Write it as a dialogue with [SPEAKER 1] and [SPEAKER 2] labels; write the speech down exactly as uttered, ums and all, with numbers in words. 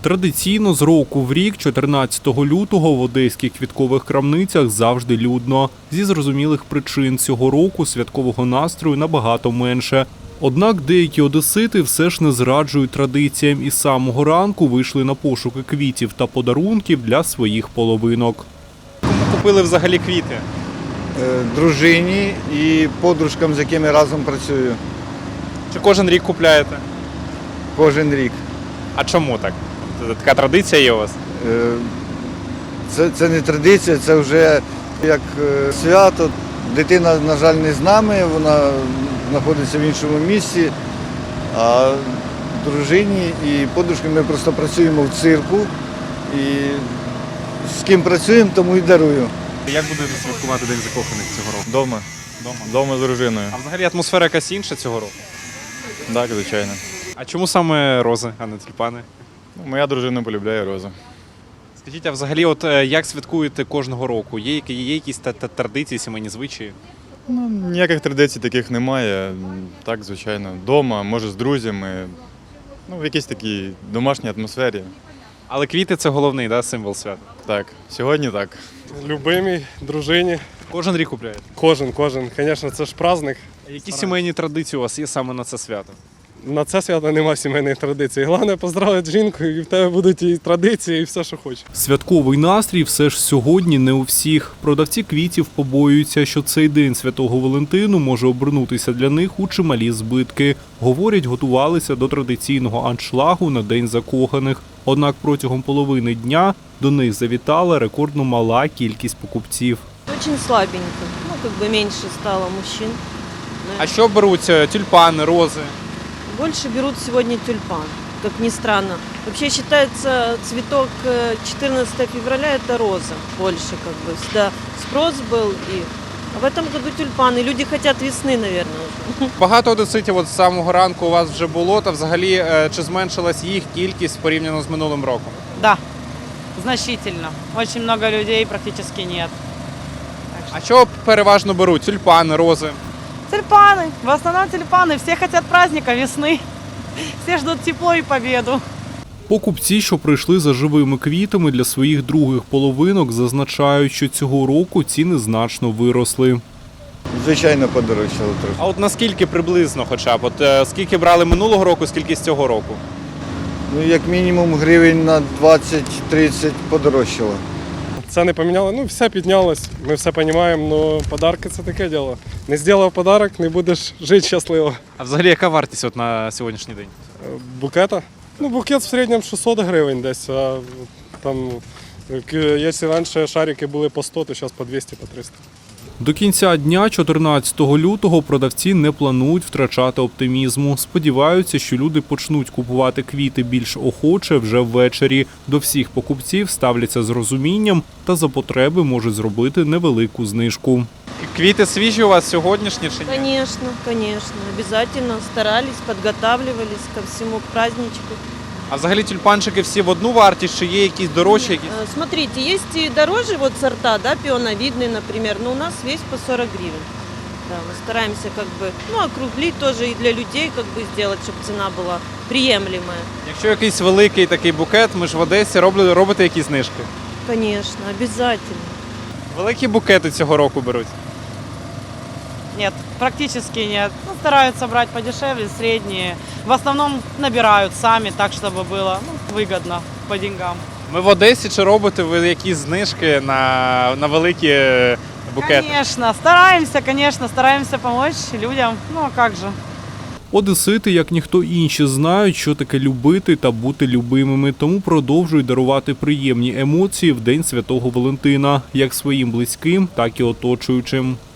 [SPEAKER 1] Традиційно з року в рік, чотирнадцятого лютого, в одеських квіткових крамницях завжди людно. Зі зрозумілих причин цього року святкового настрою набагато менше. Однак деякі одесити все ж не зраджують традиціям і з самого ранку вийшли на пошуки квітів та подарунків для своїх половинок.
[SPEAKER 2] Кому купили взагалі квіти?
[SPEAKER 3] Е, Дружині і подружкам, з якими разом працюю
[SPEAKER 2] Чи кожен рік купляєте?
[SPEAKER 3] кожен рік.
[SPEAKER 2] А чому так? Це така традиція є у вас?
[SPEAKER 3] Е, Це, це не традиція, це вже як е, свято. Дитина, на жаль, не з нами, вона знаходиться в іншому місці, а дружині і подружкам ми просто працюємо в цирку. І з ким працюємо, тому і дарую.
[SPEAKER 2] Як будете святкувати День закоханих цього року?
[SPEAKER 4] Дома.
[SPEAKER 2] Дома.
[SPEAKER 4] Дома з дружиною.
[SPEAKER 2] А взагалі атмосфера якась інша цього року?
[SPEAKER 4] Так, звичайно.
[SPEAKER 2] А чому саме рози, а не тюльпани?
[SPEAKER 4] Ну, моя дружина полюбляє рози.
[SPEAKER 2] Скажіть, а взагалі, от е, як святкуєте кожного року? Є, які- є якісь та- та- традиції, сімейні звичаї?
[SPEAKER 4] Ну, ніяких традицій таких немає. Так, звичайно. Дома, може з друзями. Ну, в якійсь такій домашній атмосфері.
[SPEAKER 2] Але квіти – це головний, да, символ свята.
[SPEAKER 4] Так, сьогодні так.
[SPEAKER 5] Любимій, дружині.
[SPEAKER 2] Кожен рік купляєте?
[SPEAKER 5] Кожен, кожен. Звісно, це ж праздник.
[SPEAKER 2] А які сімейні традиції у вас є саме на це свято?
[SPEAKER 5] На це свято немає сімейних традицій. Головне поздравити жінку, і в тебе будуть і традиції, і все, що хочеш.
[SPEAKER 1] Святковий настрій все ж сьогодні не у всіх. Продавці квітів побоюються, що цей день Святого Валентину може обернутися для них у чималі збитки. Говорять, готувалися до традиційного аншлагу на День закоханих. Однак протягом половини дня до них завітала рекордно мала кількість покупців.
[SPEAKER 6] Очень слабенько. Ну, как бы меньше стало мужчин.
[SPEAKER 2] А що беруть е, тюльпани, рози?
[SPEAKER 6] Больше берут сегодня тюльпан, как ни странно. Вообще считается цветок э, четырнадцатого февраля это роза больше, как бы. Всегда спрос был. И... А в этом году тюльпаны. Люди хотят весны, наверное, уже.
[SPEAKER 2] Багато одеситів от з самого ранку у вас вже було, та взагалі е, чи зменшилась їх кількість порівняно з минулим роком?
[SPEAKER 7] Да, значительно. Очень много людей практически нет.
[SPEAKER 2] А що переважно беруть? Тюльпани, рози?
[SPEAKER 7] Тюльпаны, в основном тюльпаны. Все хотят праздника, весны. Все ждут тепло и победу.
[SPEAKER 1] Покупці, що прийшли за живими квітами для своїх других половинок, зазначають, що цього року ціни значно виросли.
[SPEAKER 3] Звичайно, подорожчало трохи.
[SPEAKER 2] А от наскільки приблизно хоча б? От е, скільки брали минулого року, скільки з цього року?
[SPEAKER 3] Ну, як мінімум гривень на двадцять-тридцять подорожчало.
[SPEAKER 5] Це не поміняло. Ну, все піднялось, ми все розуміємо, але подарки це таке діло. Не зробив подарок, не будеш жити щасливо.
[SPEAKER 2] А взагалі яка вартість от на сьогоднішній день?
[SPEAKER 5] Е, Букета? Ну, букет в середньому шістсот гривень десь, а там, е, якщо раніше шарики були по сто, то зараз по двісті, по триста.
[SPEAKER 1] До кінця дня, чотирнадцятого лютого, продавці не планують втрачати оптимізму. Сподіваються, що люди почнуть купувати квіти більш охоче вже ввечері. До всіх покупців ставляться з розумінням та за потреби можуть зробити невелику знижку.
[SPEAKER 2] Квіти свіжі у вас сьогоднішні чи ні?
[SPEAKER 6] Конечно, конечно. Обязательно старались, подготавливались ко всему, к праздничку.
[SPEAKER 2] А взагалі тюльпанчики всі в одну вартість, чи є якісь дорожчі? Якісь?
[SPEAKER 6] Э, Смотрите, есть и дороже вот сорта, да, пионовидный, например, но у нас весь по сорок гривен. Да, мы стараемся как бы, ну, округлить тоже и для людей как бы сделать, чтобы цена была приемлемая.
[SPEAKER 2] Якщо якийсь великий такий букет, ми ж в Одесі робили, робите якісь знижки?
[SPEAKER 6] Конечно, обязательно.
[SPEAKER 2] Великі букети цього року беруть.
[SPEAKER 7] Нет, практически нет. Ну, стараются брать подешевле, средние. В основном набирают сами, так, чтобы было ну, выгодно по деньгам.
[SPEAKER 2] Ми в Одесі чи робите ви якісь знижки на, на великі букети?
[SPEAKER 7] Конечно, стараемся, конечно, стараемся помочь людям. Ну, а как же?
[SPEAKER 1] Одесити, як ніхто інші, знають, що таке любити та бути любимими, тому продовжують дарувати приємні емоції в День Святого Валентина, як своїм близьким, так і оточуючим.